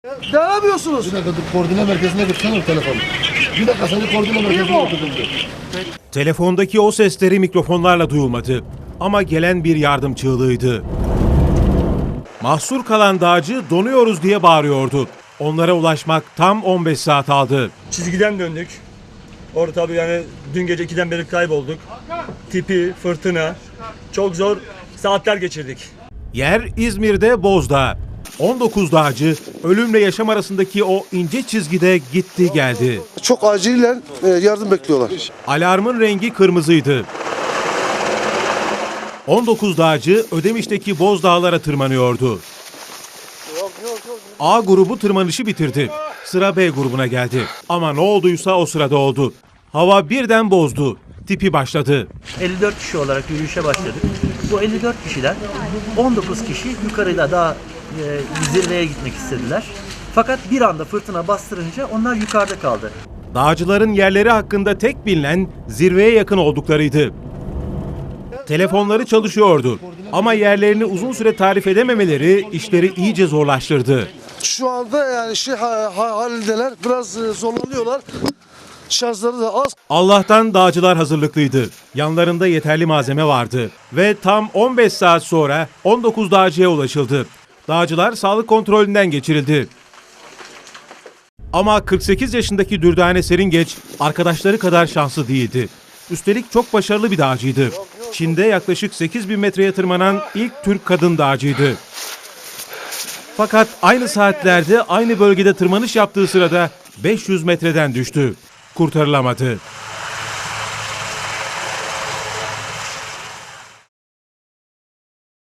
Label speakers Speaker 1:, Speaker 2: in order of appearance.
Speaker 1: Ne yapıyorsunuz?
Speaker 2: Bir dakika dur, koordine merkezine götürsene telefonu. Bir dakika seni koordine merkezine götürdüm.
Speaker 3: Telefondaki o sesleri mikrofonlarla duyulmadı. Ama gelen bir yardım çığlığıydı. Mahsur kalan dağcı donuyoruz diye bağırıyordu. Onlara ulaşmak tam 15 saat aldı.
Speaker 4: Çizgiden döndük. Orada tabii yani dün gece 2'den beri kaybolduk. Tipi, fırtına, çok zor saatler geçirdik.
Speaker 3: Yer İzmir'de Bozdağ. 19 dağcı ölümle yaşam arasındaki o ince çizgide gitti geldi.
Speaker 1: Çok acilen yardım bekliyorlar.
Speaker 3: Alarmın rengi kırmızıydı. 19 dağcı Ödemiş'teki Bozdağlara tırmanıyordu. A grubu tırmanışı bitirdi. Sıra B grubuna geldi. Ama ne olduysa o sırada oldu. Hava birden bozdu. Tipi başladı.
Speaker 5: 54 kişi olarak yürüyüşe başladık. Bu 54 kişiden 19 kişi yukarıda daha zirveye gitmek istediler. Fakat bir anda fırtına bastırınca onlar yukarıda kaldı.
Speaker 3: Dağcıların yerleri hakkında tek bilinen zirveye yakın olduklarıydı. Telefonları çalışıyordu ama yerlerini uzun süre tarif edememeleri işleri iyice zorlaştırdı.
Speaker 1: Şu anda yani halindeler. Biraz zorlanıyorlar. Şarjları da az.
Speaker 3: Allah'tan dağcılar hazırlıklıydı. Yanlarında yeterli malzeme vardı ve tam 15 saat sonra 19 dağcıya ulaşıldı. Dağcılar sağlık kontrolünden geçirildi. Ama 48 yaşındaki Dürdane Seringeç arkadaşları kadar şanslı değildi. Üstelik çok başarılı bir dağcıydı. Çin'de yaklaşık 8.000 metreye tırmanan ilk Türk kadın dağcıydı. Fakat aynı saatlerde aynı bölgede tırmanış yaptığı sırada 500 metreden düştü. Kurtarılamadı.